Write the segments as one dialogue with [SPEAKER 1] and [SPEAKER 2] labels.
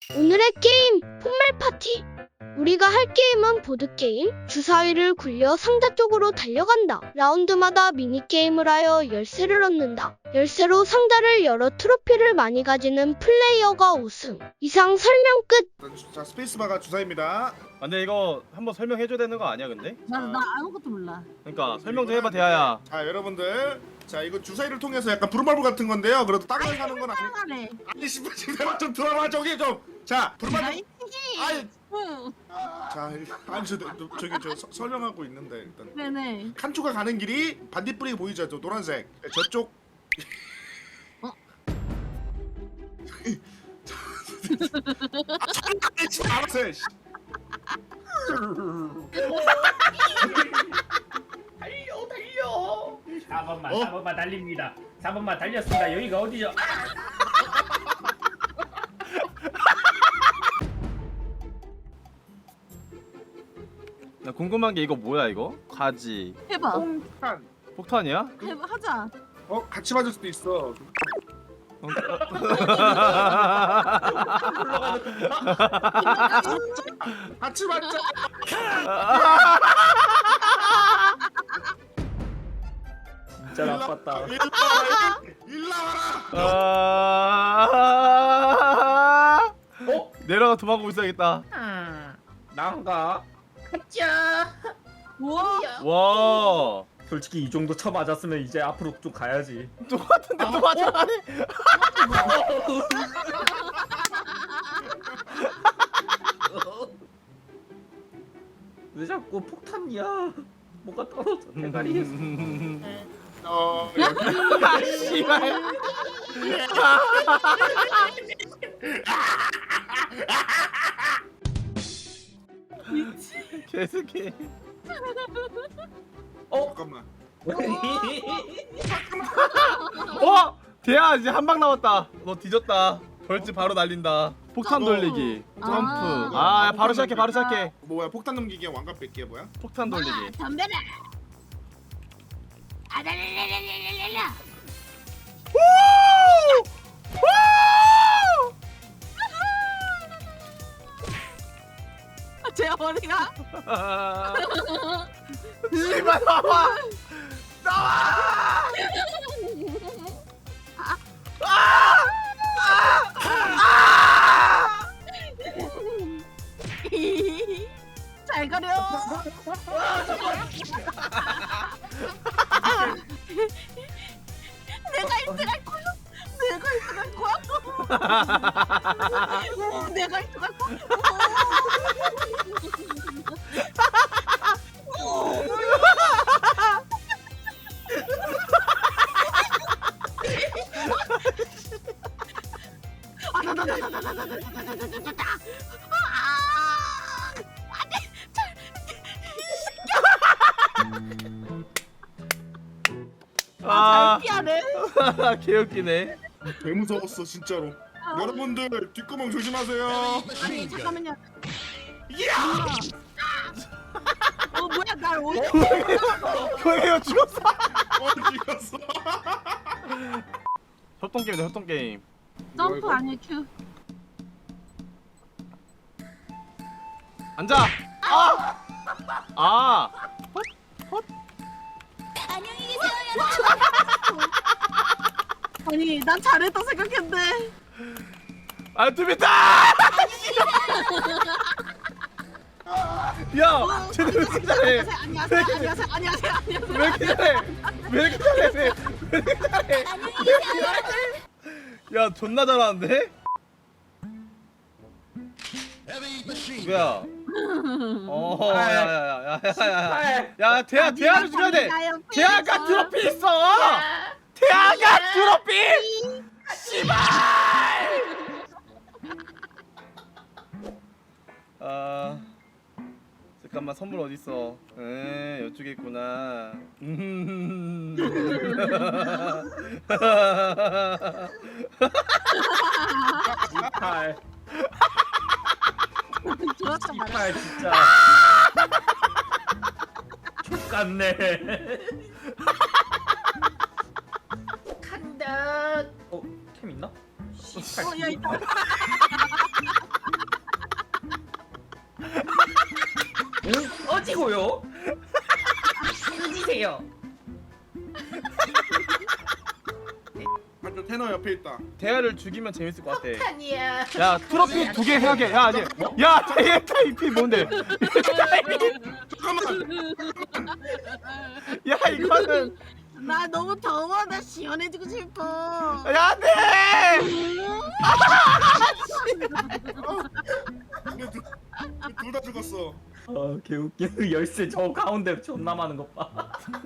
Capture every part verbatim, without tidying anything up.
[SPEAKER 1] 오늘의 게임 폭말 파티. 우리가 할 게임은 보드게임. 주사위를 굴려 상자 쪽으로 달려간다. 라운드마다 미니게임을 하여 열쇠를 얻는다. 열쇠로 상자를 열어 트로피를 많이 가지는 플레이어가 우승. 이상 설명 끝.
[SPEAKER 2] 자, 스페이스바가 주사입니다.
[SPEAKER 3] 아, 근데 이거 한번 설명해줘야 되는 거 아니야 근데?
[SPEAKER 4] 나, 나 아무것도 몰라.
[SPEAKER 3] 그러니까 설명 좀 해봐 대하야.
[SPEAKER 2] 자, 여러분들, 자 이거 주사위를 통해서 약간 부루마블 같은 건데요. 그래도 땅을 사는 건 아니.
[SPEAKER 4] 하네.
[SPEAKER 2] 아니 씨발 지금 좀 들어봐 저기 좀. 자, 부루마블. 아니,
[SPEAKER 4] 응.
[SPEAKER 2] 자, 아니 저, 저 저기 저 서, 설명하고 있는데 일단.
[SPEAKER 4] 네네.
[SPEAKER 2] 칸초가 가는 길이 반딧불이 보이죠? 저 노란색. 네, 저쪽.
[SPEAKER 4] 어?
[SPEAKER 2] 아, 참, 알았어. 씨.
[SPEAKER 5] 달려 달려 사 번만
[SPEAKER 2] 어?
[SPEAKER 5] 사 번만 달립니다. 사 번만 달렸습니다. 여기가 어디죠?
[SPEAKER 3] 나 궁금한 게 이거 뭐야 이거? 가지.
[SPEAKER 4] 해봐.
[SPEAKER 2] 폭탄.
[SPEAKER 3] 폭탄이야?
[SPEAKER 4] 해봐 하자.
[SPEAKER 2] 어, 같이 맞을 수도 있어. 같이 맞자.
[SPEAKER 5] 진짜 나빴다.
[SPEAKER 2] 일로 와라. 일로 와라.
[SPEAKER 3] 아...
[SPEAKER 5] 어?
[SPEAKER 3] 내려가 도망가고 있어야겠다.
[SPEAKER 5] 나가. 가자.
[SPEAKER 4] 우와.
[SPEAKER 3] 와.
[SPEAKER 5] 솔직히 이 정도 쳐 맞았으면 이제 앞으로 좀 가야지.
[SPEAKER 3] 똑같은데 또 맞아가네.
[SPEAKER 5] 왜 자꾸 폭탄이야? 뭐가 떨어져 대가리에서.
[SPEAKER 2] 어, 여기.
[SPEAKER 3] 아 씨발. 개새끼.
[SPEAKER 5] 어?
[SPEAKER 2] 잠깐만.
[SPEAKER 3] 어? 대야 이제 한 방 남았다. 너 뒤졌다. 벌집 바로 날린다. 폭탄 돌리기, 점프. 아, 야, 바로 시작해, 바로 시작해.
[SPEAKER 2] 뭐야, 폭탄 넘기기야, 왕갑 뺏기야 뭐야?
[SPEAKER 3] 폭탄 돌리기.
[SPEAKER 4] 덤벼라. 아라라라라라라라. 제 머리가.
[SPEAKER 3] 씨발 나와. 나와.
[SPEAKER 4] 잘 가려. 내가 일 등 할 거야. 내가 일 등 할 거야. 내가 일 등 할 거야. 아, 잘 피하네.
[SPEAKER 3] 개웃기네.
[SPEAKER 2] 개 무서웠어 진짜로. 여러분들 뒷구멍 조심하세요.
[SPEAKER 4] 아니 잠깐만요.
[SPEAKER 2] 야!
[SPEAKER 4] 어 뭐야 날 오.
[SPEAKER 3] 거기요 죽었어.
[SPEAKER 2] 어, 죽었어.
[SPEAKER 3] 협동 게임이다, 협동 게임.
[SPEAKER 4] 점프 아니야 큐.
[SPEAKER 3] 앉아. 아. 아.
[SPEAKER 4] 안녕히 계세요 여러분. 아니 난 잘했다 생각했는데.
[SPEAKER 3] 아, 뚜비다. 야, 쟤네 왜 이렇게 잘해?
[SPEAKER 4] 안녕하세요 안녕하세요 안녕하세요 안녕하세요.
[SPEAKER 3] 왜 이렇게 잘해? 왜 이렇게 잘해? 왜 이렇게 잘해? 야, 존나 잘하는데? 뭐야? 어, 야야야야야야야. 야, 대야, 대야를 죽여야 돼. 대야가 트로피 있어. 대야가 트로피. 씨발. 아, 잠깐만 선물 어디 있어? 에, 이쪽에 있구나. 음.
[SPEAKER 5] 팔.
[SPEAKER 4] 좋았어 말아.
[SPEAKER 5] 팔 진짜. 족같네. 간다. 어, 캠 있나? 씨발.
[SPEAKER 4] 어야 있다.
[SPEAKER 5] 응? 꺼지고요. 꺼지세요.
[SPEAKER 2] 한쪽 테너 옆에 있다.
[SPEAKER 3] 대야를 죽이면 재밌을 것 같아.
[SPEAKER 5] 아니야.
[SPEAKER 3] 야 트로피 두 개 해야게. 야 아니. 야 이게 타이피 뭔데?
[SPEAKER 2] 잠깐만.
[SPEAKER 3] 야 이거는.
[SPEAKER 4] 나 너무 더워. 나 시원해지고 싶어.
[SPEAKER 3] 야 안돼.
[SPEAKER 2] 둘 다 죽었어.
[SPEAKER 5] 아 개웃기는 열쇠 저 가운데 존나 많은 것 봐.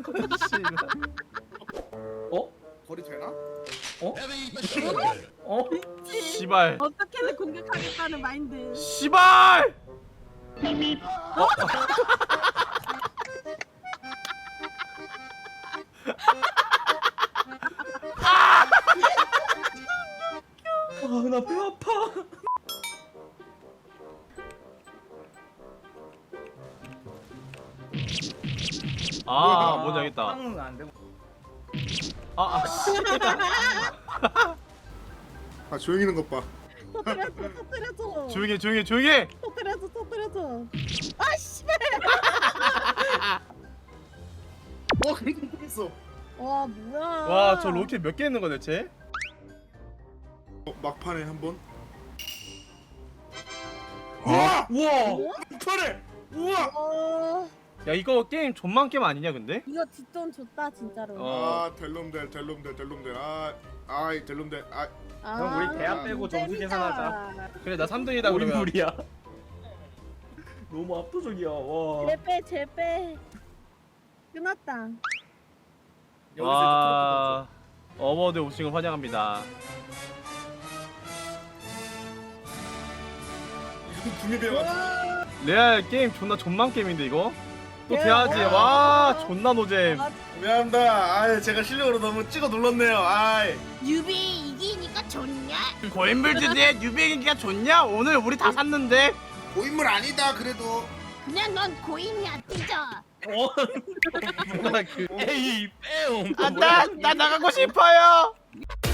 [SPEAKER 5] 어?
[SPEAKER 2] 거리 되나?
[SPEAKER 5] 어? 어?
[SPEAKER 3] 시발.
[SPEAKER 4] 어떻게든 공격하겠다는 마인드.
[SPEAKER 3] 시발.
[SPEAKER 5] 아 나 배 아파.
[SPEAKER 3] 아 뭔지 알겠다.
[SPEAKER 5] 빵은 안 되고.
[SPEAKER 3] 아, 아 씨.
[SPEAKER 2] 아 조용히는 것 봐.
[SPEAKER 4] 터뜨려줘, 터뜨려줘.
[SPEAKER 3] 조용히 해, 조용히 해, 조용히 해.
[SPEAKER 4] 터뜨려줘, 터뜨려줘. 아 씨발.
[SPEAKER 2] 와 그래도 했어.
[SPEAKER 4] 와 뭐야.
[SPEAKER 3] 와 저 로켓 몇 개 있는 거 대체?
[SPEAKER 2] 어, 막판에 한 번.
[SPEAKER 5] 우와! 우와!
[SPEAKER 2] 막판에. 우와.
[SPEAKER 4] 어
[SPEAKER 3] 야 이거 게임 존만 게임 아니냐 근데?
[SPEAKER 4] 이거 뒷돈 줬다 진짜로.
[SPEAKER 3] 어.
[SPEAKER 2] 아 델롬델 델롬델 델롬델. 아 아이 델롬델. 아
[SPEAKER 4] 아,
[SPEAKER 5] 그럼 우리 대학 빼고 점수
[SPEAKER 4] 재밌다.
[SPEAKER 5] 계산하자.
[SPEAKER 3] 그래 나 삼 등이다 그러면.
[SPEAKER 5] 우리물이야. 너무 압도적이야. 와.
[SPEAKER 4] 제빼 제빼. 끝났다.
[SPEAKER 2] 여기서
[SPEAKER 3] 와 어워드 우승을 환영합니다.
[SPEAKER 2] 이거 구미배가.
[SPEAKER 3] 레알 게임 존나 존만 게임인데 이거? 또
[SPEAKER 4] 예,
[SPEAKER 3] 돼야지.
[SPEAKER 4] 와.
[SPEAKER 3] 와 존나 노잼.
[SPEAKER 4] 아,
[SPEAKER 2] 미안합니다. 아 제가 실력으로 너무 찍어 눌렀네요. 아이.
[SPEAKER 4] 유비 이기니까 좋냐?
[SPEAKER 3] 고인물 주제에 유비행기가 좋냐? 오늘 우리 다 샀는데.
[SPEAKER 2] 고인물 아니다 그래도.
[SPEAKER 4] 그냥 넌 고인이야 찢어.
[SPEAKER 5] 어?
[SPEAKER 3] 그
[SPEAKER 5] 에이, 빼옴.
[SPEAKER 3] 아, 나, 나 나가고 싶어요.